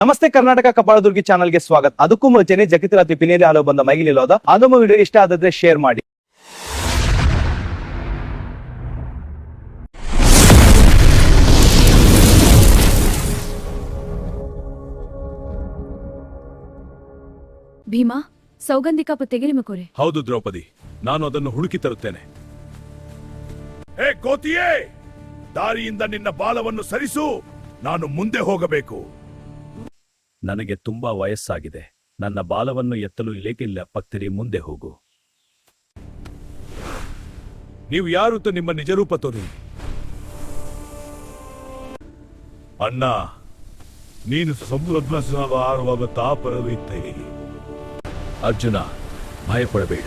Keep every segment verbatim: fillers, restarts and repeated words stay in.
ನಮಸ್ತೆ ಕರ್ನಾಟಕ ಕಪಾಳದುರ್ಗಿ ಚಾನಲ್ಗೆ ಸ್ವಾಗತ. ಅದಕ್ಕೂ ಮುಂಚೆನೆ ಜಗತ್ ರಾತ್ರಿ ಪಿನೇಲಿ ಹಾಲು ಬಂದ ಮೈಗಿಲಿಲ್ಲೋದ ಅದೊಮ್ಮೆ ವಿಡಿಯೋ ಇಷ್ಟ ಆದ್ರೆ ಶೇರ್ ಮಾಡಿ. ಭೀಮಾ, ಸೌಗಂಧಿಕ ಪುತ್ತೆಗೆ ನಿಮ್ಮ ಕೋರೆ. ಹೌದು ದ್ರೌಪದಿ, ನಾನು ಅದನ್ನು ಹುಡುಕಿ ತರುತ್ತೇನೆ. ಹೇ ಕೋತಿಯೇ, ದಾರಿಯಿಂದ ನಿನ್ನ ಬಾಲವನ್ನು ಸರಿಸು, ನಾನು ಮುಂದೆ ಹೋಗಬೇಕು. ನನಗೆ ತುಂಬಾ ವಯಸ್ಸಾಗಿದೆ, ನನ್ನ ಬಾಲವನ್ನು ಎತ್ತಲು ಇಲೇಕಿಲ್ಲ. ಪಕ್ತಿರಿ, ಮುಂದೆ ಹೋಗು. ನೀವು ಯಾರು ತ ನಿಮ್ಮ ನಿಜರೂಪ ತೋರಿ. ಅಣ್ಣ, ನೀನು ಸಮುದ್ರ ತಾಪರವಿದ್ದೆ. ಅರ್ಜುನ, ಭಯಪಡಬೇಡ.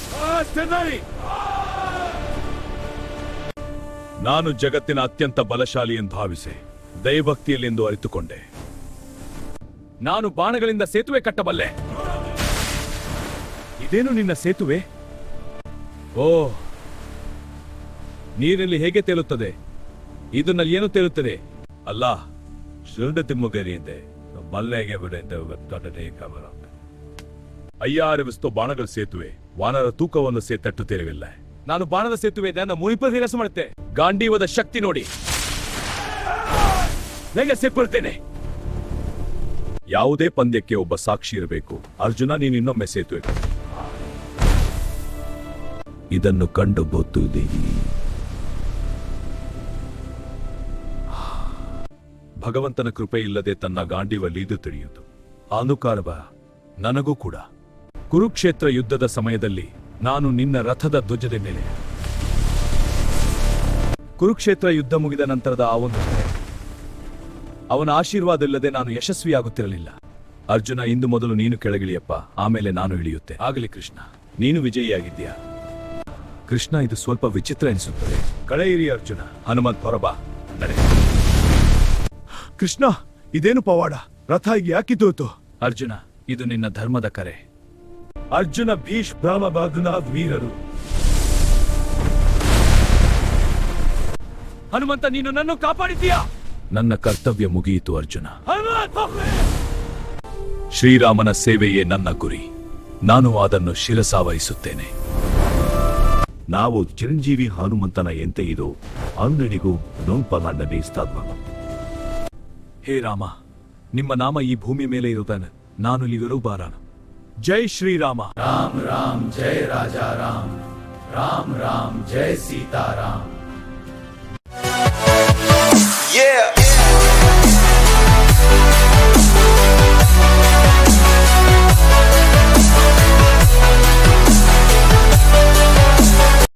ನಾನು ಜಗತ್ತಿನ ಅತ್ಯಂತ ಬಲಶಾಲಿ ಎಂದು ಭಾವಿಸಿ ದೈವಭಕ್ತಿಯಲ್ಲೆಂದು ಅರಿತುಕೊಂಡೆ. ನಾನು ಬಾಣಗಳಿಂದ ಸೇತುವೆ ಕಟ್ಟಬಲ್ಲೆ. ಇದೇನು ನಿನ್ನ ಸೇತುವೆ? ಓ, ನೀರಲ್ಲಿ ಹೇಗೆ ತೇಲುತ್ತದೆ? ಇದನ್ನಲ್ಲಿ ಏನು ತೇಲುತ್ತದೆ? ಅಲ್ಲ, ಶೃಂಡ ತಿಮ್ಮಗರಿಯಿಂದ ಮಲ್ಲೆಗೆ ಬಿಡ. ಅಯ್ಯಾರವಿಸ್ತೋ ಬಾಣಗಳ ಸೇತುವೆ, ವಾನರ ತೂಕವನ್ನು ಸೇ ತಟ್ಟುತ್ತಿರಲಿಲ್ಲ. ನಾನು ಬಾಣದ ಸೇತುವೆ ನನ್ನ ಮುನಿಪದಿರಸ ಮಾಡುತ್ತೆ. ಗಾಂಡೀವದ ಶಕ್ತಿ ನೋಡಿ, ಹೇಗೆ ಸೇರ್ಕೊಳ್ತೇನೆ. ಯಾವುದೇ ಪಂದ್ಯಕ್ಕೆ ಒಬ್ಬ ಸಾಕ್ಷಿ ಇರಬೇಕು. ಅರ್ಜುನ, ನೀನು ಇನ್ನೊಮ್ಮೆ ಸೇತುವೆ. ಇದನ್ನು ಕಂಡು ಬೋತುದೆ. ಭಗವಂತನ ಕೃಪೆ ಇಲ್ಲದೆ ತನ್ನ ಗಾಂಡೀವಲ್ಲಿ ಇದು ತಿಳಿಯುವುದು ಅನುಕಾರವ. ನನಗೂ ಕೂಡ ಕುರುಕ್ಷೇತ್ರ ಯುದ್ಧದ ಸಮಯದಲ್ಲಿ ನಾನು ನಿನ್ನ ರಥದ ಧ್ವಜದ ಮೇಲೆ. ಕುರುಕ್ಷೇತ್ರ ಯುದ್ಧ ಮುಗಿದ ನಂತರದ ಆ ಒಂದು ಅವನ ಆಶೀರ್ವಾದವಿಲ್ಲದೆ ನಾನು ಯಶಸ್ವಿಯಾಗುತ್ತಿರಲಿಲ್ಲ. ಅರ್ಜುನ, ಇಂದು ಮೊದಲು ನೀನು ಕೆಳಗಿಳಿಯಪ್ಪ, ಆಮೇಲೆ ನಾನು ಇಳಿಯುತ್ತೆ. ಆಗಲಿ ಕೃಷ್ಣ, ನೀನು ವಿಜಯಿಯಾಗಿದ್ದೀಯಾ. ಕೃಷ್ಣ, ಇದು ಸ್ವಲ್ಪ ವಿಚಿತ್ರ ಎನಿಸುತ್ತದೆ. ಕಳೆಯಿರಿ ಅರ್ಜುನ. ಹನುಮಂತ್, ಹೊರಬಾ, ನಡೆ. ಕೃಷ್ಣ, ಇದೇನು ಪವಾಡ? ರಥ ಹೀಗೆ ಯಾಕಿದ್ದೋತು? ಅರ್ಜುನ, ಇದು ನಿನ್ನ ಧರ್ಮದ ಕರೆ. ಅರ್ಜುನ, ಭೀಷ್ ಬ್ರಹ್ಮಬಾಧನ ವೀರರು. ಹನುಮಂತ, ನೀನು ನನ್ನ ಕಾಪಾಡಿದ್ದೀಯಾ. ನನ್ನ ಕರ್ತವ್ಯ ಮುಗಿಯಿತು ಅರ್ಜುನ. ಶ್ರೀರಾಮನ ಸೇವೆಯೇ ನನ್ನ ಗುರಿ. ನಾನು ಅದನ್ನು ಶಿರಸಾವಹಿಸುತ್ತೇನೆ. ನಾವು ಚಿರಂಜೀವಿ ಹನುಮಂತನ ಎಂತೆ ಇದು ಅಂಗಡಿಗೂ ನೋಂಪಲಾಂಡನೆ ಸ್ಥಾಪ. ಹೇ ರಾಮ, ನಿಮ್ಮ ನಾಮ ಈ ಭೂಮಿ ಮೇಲೆ ಇರುತ್ತಾನೆ. ನಾನು ಇಲ್ಲಿಗರು ಬಾರಾನ. ಜೈ ಶ್ರೀರಾಮ. ರಾಮ್ ರಾಮ್ ಜೈ ರಾಜಾ ರಾಮ್. ರಾಮ್ ರಾಮ್ ಜೈ ಸೀತಾರಾಮ್. Yeah.